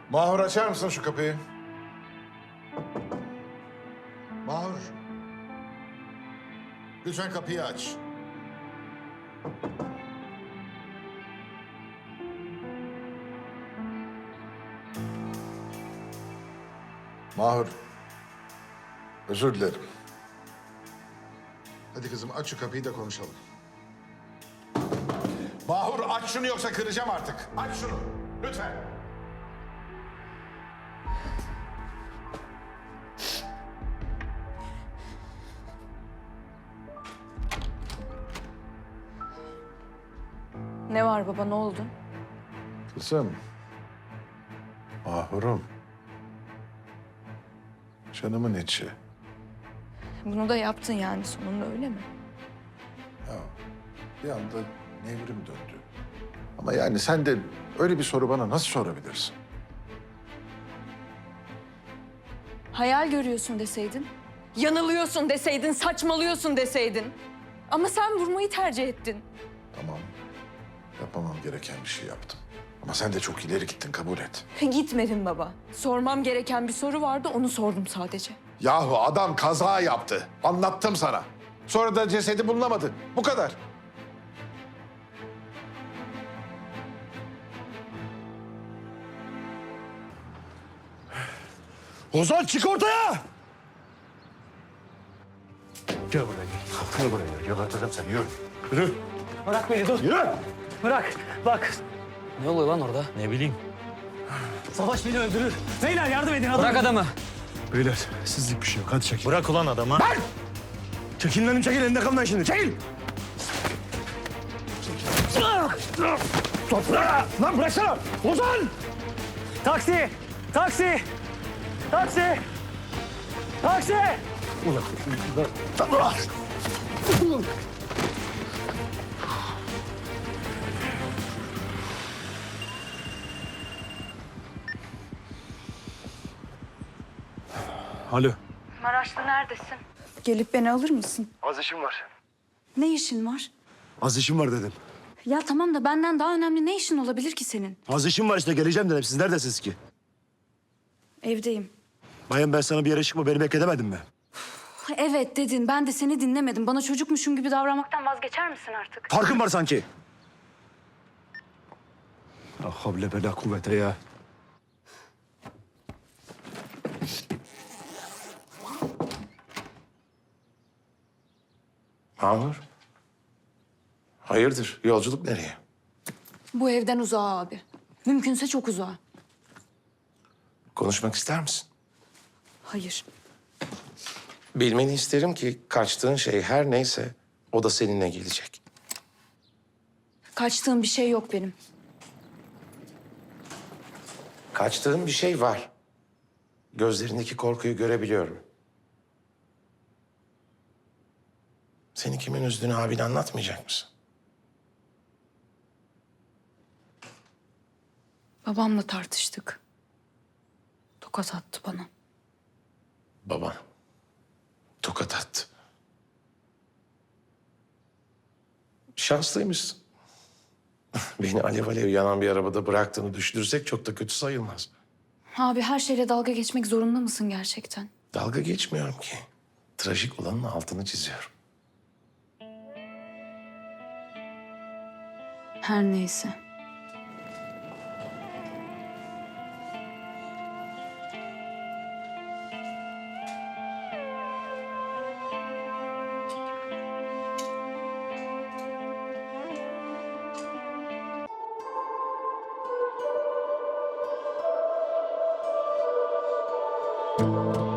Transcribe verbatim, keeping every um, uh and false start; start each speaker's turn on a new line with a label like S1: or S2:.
S1: Mahur açar mısın şu kapıyı? Mahur. Lütfen kapıyı aç. Mahur. Özür dilerim. Hadi kızım aç şu kapıyı da konuşalım. Mahur aç şunu yoksa kıracağım artık. Aç şunu. Lütfen.
S2: Ne var baba, ne oldu?
S1: Kızım. Mahurum. Canımın içi.
S2: Bunu da yaptın yani sonunda, öyle mi?
S1: Ya bir anda nevrim döndü. Ama yani sen de öyle bir soru bana nasıl sorabilirsin?
S2: Hayal görüyorsun deseydin, yanılıyorsun deseydin, saçmalıyorsun deseydin. Ama sen vurmayı tercih ettin.
S1: Tamam. Yapamam gereken bir şey yaptım. Ama sen de çok ileri gittin, kabul et.
S2: Gitmedin baba. Sormam gereken bir soru vardı, onu sordum sadece.
S1: Yahu adam kaza yaptı. Anlattım sana. Sonra da cesedi bulunamadı. Bu kadar.
S3: Ozan çık ortaya! Gel buraya gel. Gel buraya gel. Geberteceğim seni. Yürü. Yürü.
S4: Bırak beni, dur.
S3: Yürü.
S4: Bırak. Bak.
S5: Ne oluyor lan orada?
S4: Ne bileyim. Savaş beni öldürür. Beyler yardım edin. Adam.
S5: Bırak adamı.
S3: Beyler sizlik bir şey yok. Hadi çekil.
S4: Bırak ulan adamı.
S3: Lan! Çekil benim çekil. Elinde kalma şimdi. Çekil. Toprağa! Lan bıraksana! Ozan!
S4: Taksi! Taksi! Taksi! Taksi!
S3: Alo.
S2: Maraşlı neredesin? Gelip beni alır mısın?
S3: Az işim var.
S2: Ne işin var?
S3: Az işim var dedim.
S2: Ya tamam da benden daha önemli ne işin olabilir ki senin?
S3: Az işim var işte geleceğim dedim. Siz neredesiniz ki?
S2: Evdeyim.
S3: Bayan ben sana bir yere çıkma beni bekledemedim mi?
S2: Evet dedin, ben de seni dinlemedim. Bana çocukmuşum gibi davranmaktan vazgeçer misin artık?
S3: Farkın var sanki. Ah havle bela kuvvete ya.
S1: Mahur. Hayırdır? Yolculuk nereye?
S2: Bu evden uzağa abi. Mümkünse çok uzağa.
S6: Konuşmak ister misin?
S2: Hayır.
S6: Bilmeni isterim ki kaçtığın şey her neyse o da seninle gelecek.
S2: Kaçtığım bir şey yok benim.
S6: Kaçtığın bir şey var. Gözlerindeki korkuyu görebiliyorum. Seni kimin üzdüğünü abine anlatmayacak mısın?
S2: Babamla tartıştık. Tokat attı bana.
S6: Baban tokat attı. Şanslıymışsın. Beni alev alev yanan bir arabada bıraktığını düşünürsek çok da kötü sayılmaz.
S2: Abi her şeyle dalga geçmek zorunda mısın gerçekten?
S6: Dalga geçmiyorum ki. Trajik olanın altını çiziyorum.
S2: Her neyse.
S7: Thank you.